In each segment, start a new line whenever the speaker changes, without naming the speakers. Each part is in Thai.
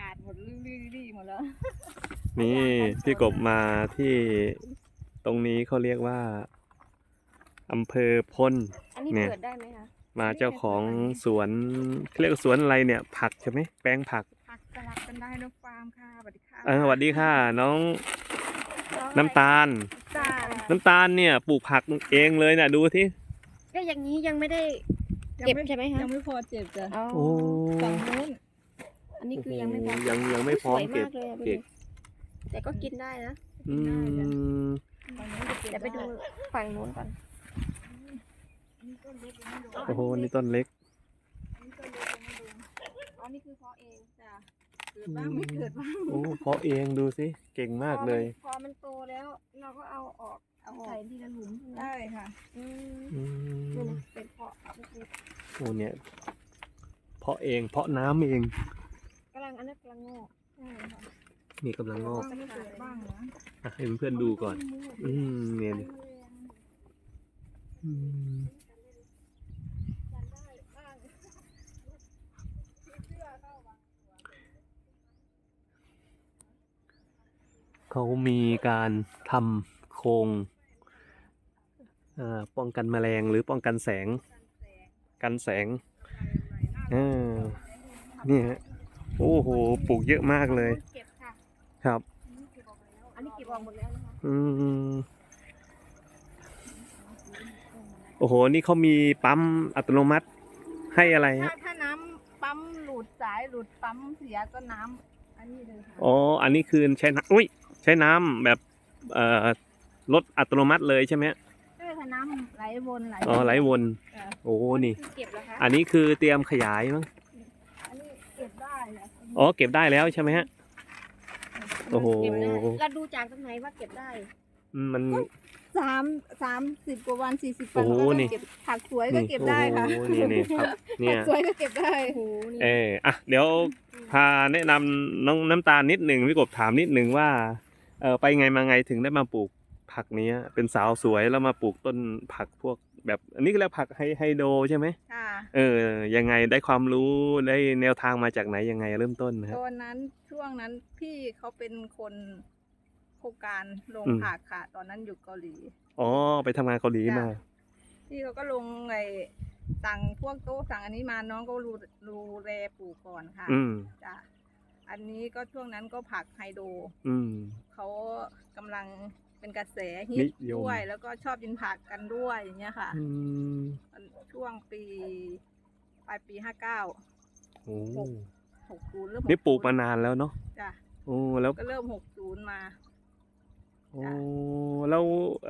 ดหมดรี่หมดแล้ว
นี่พี่กบมาที่ตรงนี้เขาเรียกว่าอำเภอพล
อันนี้
เนี่ย
เปิดได้ไหมคะ
มาเจ้าของสวนเขาเรียกว่าสวนอะไรเนี่ย ผักใช่ไหมแปลงผัก
ผักสลับกันได้น้องฟาร์มค่ะสวัสดีค่ะ
สวัสดีค่ะ น้องน้ำตาล
จ้า
น้ำตาลเนี่ยปลูกผักเองเลยนะดูที่
ก็อย่างนี้ยังไม่ได้เก็บใช่ไหมคะ
ยังไม่พอเจ็บจ้ะ
อ๋อ
โอ้
ฝั่งนู้น
อันนี้คือยังไม่พอ
ยังไม่พร้อม
สวย
เก็บ
มากเลยอะ
เก็บ
แต่ก็กินได้นะ
อืม
ฝั่งนู้นจะเก็บ
เดี๋ยวไปดูฝั่งนู้นก่อน
นี่ต้นเล็กยังไม่ดู
โอ้โหนี่ต้นเล็ก
อันนี้ต้นเล็กยังไม่ดู
อ๋อนี่คือเพาะเอง
จ้ะเกิดบ้างไม่เกิดบ้าง
โอ้เพาะเองดูสิเก่งมากเลย
พอมันโตแล้ว เราก็เอาออกเอาใส่ที่ละหลุมใช่ไหม
ได้ค่ะ
อืม
อื
นี่
ม
นะเป็นเพาะเล็ก
โอ้เนี่ยเพาะเองเพาะน้ำเอง
ๆกำลังอันนั้นกำลังงอก
ใช่ค่ะ
นี่กำลังงอก
ไม่เกิดบ้างนะ
ให้เพื่อนๆดูก่อน เนี่ยนี่อืมเขามีการทำโครงป้องกันแมลงหรือป้องกันแสง กันแสงนี่ฮะโอ้โหปลูกเยอะมากเลย
เก็บค่ะ
ครับ
อันนี้เก็บออกหมดแล้วนะคะ
อืมโอ้โห นี่เขามีปั๊มอัตโนมัติให้อะไรฮะ
ถ้าน้ำปั๊มหลุดสายหลุดปั๊มเสียก็น้ำอันนี้เลยค่ะ
อ๋อ อันนี้คือใช้น้ำอุ้ย ใช้น้ำแบบรถอัตโนมัติเลยใช่ไหมฮะ
ใช่ค่ะน้ำไหลวนไหล
อ๋อไหลวน
จ้ะ
โอ้นี่
คือเก็บแล้วคะ
อันนี้คือเตรียมขยายมั้ง
อันนี้เก็บได้แหละ
อ๋อ เก็บได้แล้วใช่ไหมฮะ โอ้โห
เก็บได้เราดูจากตรงไหนว่าเก็บได้
มัน
30 กว่าวัน 40
โอ้
วัน
โห
ก็
นี่
เก็บผักสวยก็เก็บได้ค่ะ
โอ้โหนี่ครับ เนี่
ผั
ย
กสวยก็เก็บได้
โอ้โหนี่
เดี๋ยวพาแนะนำน้องน้ำตาลนิดหนึ่งพี่กบถามนิดหนึ่งว่าไปไงมาไงถึงได้มาปลูกผักเนี้ย เป็นสาวสวยแล้วมาปลูกต้นผักพวกแบบอันนี้ก็เรียกผักไฮโดรใช่ไหม
ค่ะ
ยังไงได้ความรู้ได้แนวทางมาจากไหนยังไงเริ่มต้นนะครับ
ตอนนั้นช่วงนั้นพี่เขาเป็นคนโครงการลง
อืม
ผักค่ะ ตอนนั้นอยู่เกาหลี
อ๋อไปทำงานเกาหลีมา
พี่เขาก็ลงสั่งพวกโต๊ะสั่งอันนี้มาน้องก็รูแลปลูกก่อนค่ะ
อืม
จ้ะอันนี้ก็ช่วงนั้นก็ผักไฮโดร
อืม
เขากำลังเป็นกระแสฮิ
นิ
ต
ยม
ด้วย แล้วก็ชอบกินผักกันด้วยอย่างเงี้ยค่ะ
อืม
ช่วงปลายปี 59
โอ้
60เริ่ม
นี่ปลูกมานานแล้วเนาะ
จ้ะ
โอ้แล้ว
ก็เริ่ม60มา
โอ้แล้ว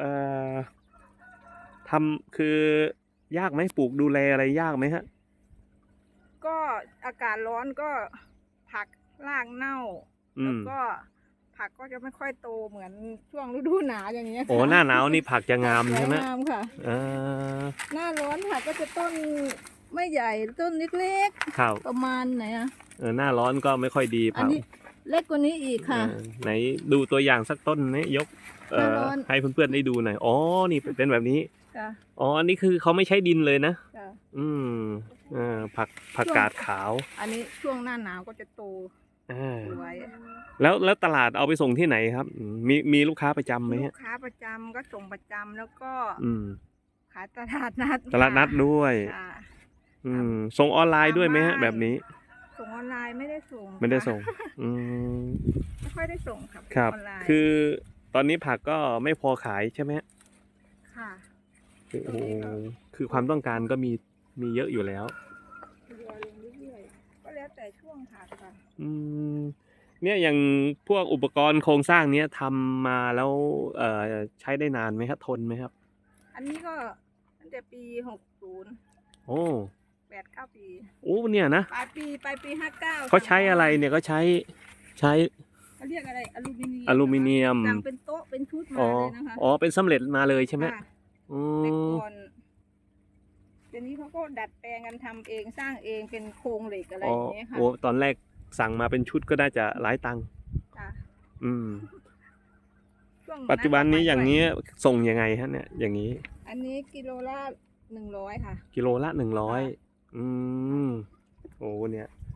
ทำคือยากไหมปลูกดูแลอะไรยากไหมฮะ
ก็อากาศร้อนก็ผักรากเน่า
อื
แล้ว
ม
ก็ผักก็จะไม่ค่อยโตเหมือนช่วงฤดูหนาวอย่างเงี้ย
โอ้
ค่ะ
หน้าหนาวนี่ผักจะงาม
สวย
ใช่ไหม
งามค่ะ
อ่า
หน้าร้อนผักก็จะต้นไม่ใหญ่ต้นเล็ก
ครับ
ๆประมาณไหนอะ
หน้าร้อนก็ไม่ค่อยดี
อัน
ผัก
นี้เล็กกว่านี้อีกค่ะ
ไหนดูตัวอย่างสักต้นนี้ยก
หน้าร้อน
ให้เพื่อนๆได้ดูหน่อยอ๋อนี่เป็นแบบนี้
จ้ะ
อ๋ออันนี้คือเขาไม่ใช้ดินเลยนะ
จ้ะ
อืมผักกาดขาว
อันนี้ช่วงหน้าหนาวก็จะโต
อ่า
สวย
แล้วตลาดเอาไปส่งที่ไหนครับมีลูกค้าประจำไหม
ลู
ฮะ
กค้าประจำก็ส่งประจำแล้วก็
อืม
ขายตลาดนัด
ตลาดนัดด้วย
จ้ะ
อืมส่งออนไลน์ด้วยไหมฮะ
ตามบ้าน
แบบนี้
ส่งออนไลน์ไม่ได้ส่ง
ไม่ได้
ค่ะ
ส่ง อืม
ไม่ค่อยได้ส่งครับ
ครับ
ออนไลน์
คือตอนนี้ผักก็ไม่พอขายใช่ไหมฮะ
ค่ะ
โอ้โหคือความต้องการก็มีเยอะอยู่แล้ว
ทยอยลงเรื่อยๆก็แล้วแต่ช่วงผักค่ะ
อืมเนี่ยอย่างพวกอุปกรณ์โครงสร้างเนี้ยทำมาแล้วใช้ได้นานไหมครับทนไหมครับ
อันนี้ก็ตั้งแต่ปี60
โอ้
8-9 ปี
โอ้เนี่ยนะ
ปลายปี59
เขาใช้อะไรเนี่ยก็ใช้
เขาเรียกอะไรอลูมิเนียม
อลูมิเนียม
สั่งเป็นโต๊ะเป็นชุดมา
อ๋อ
เลยนะคะ
อ๋อเป็นสำเร็จมาเลยใช่ไหม
ค่ะ
อื
แต่
ม
ก่อนเดี๋ยวนี้เขาก็ดัดแปลงกันทำเองสร้างเองเป็นโครงเหล็กอะไร
อ๋
อ
อย่าง
เงี้ยค่ะ
โอ้ตอนแรกสั่งมาเป็นชุดก็น่าจะหลายตังค์
จ้ะ
อืม
ช่วง
ปัจจุบันนี้อย่างนี้ส่งยังไงฮะเนี่ยอย่างนี้
อันนี้กิโลละ100ค่ะ
กิโลละ100อืมโอ้เนี่ย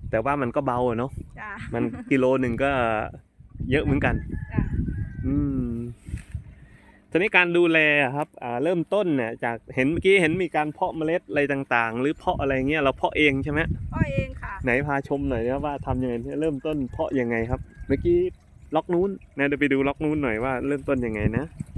แต่ว่ามันก็เบาอะเนาะ
จ้ะ
มันกิโลหนึ่งก็เยอะเหมือนกัน
จ้ะ
อืมทีนี้การดูแลอะครับเริ่มต้นเนี่ยจากเห็นเมื่อกี้เห็นมีการเพาะเมล็ดอะไรต่างๆ หรือเพาะอะไรเงี้ยเราเพาะเองใช่ไหม
พ่อเองค่ะ
ไหนพาชมหน่อยนะว่าทำยังไงเริ่มต้นเพาะยังไงครับ เมื่อกี้ล็อกนู้นนะเดี๋ยวไปดูล็อกนู้นหน่อยว่าเริ่มต้นยังไงนะ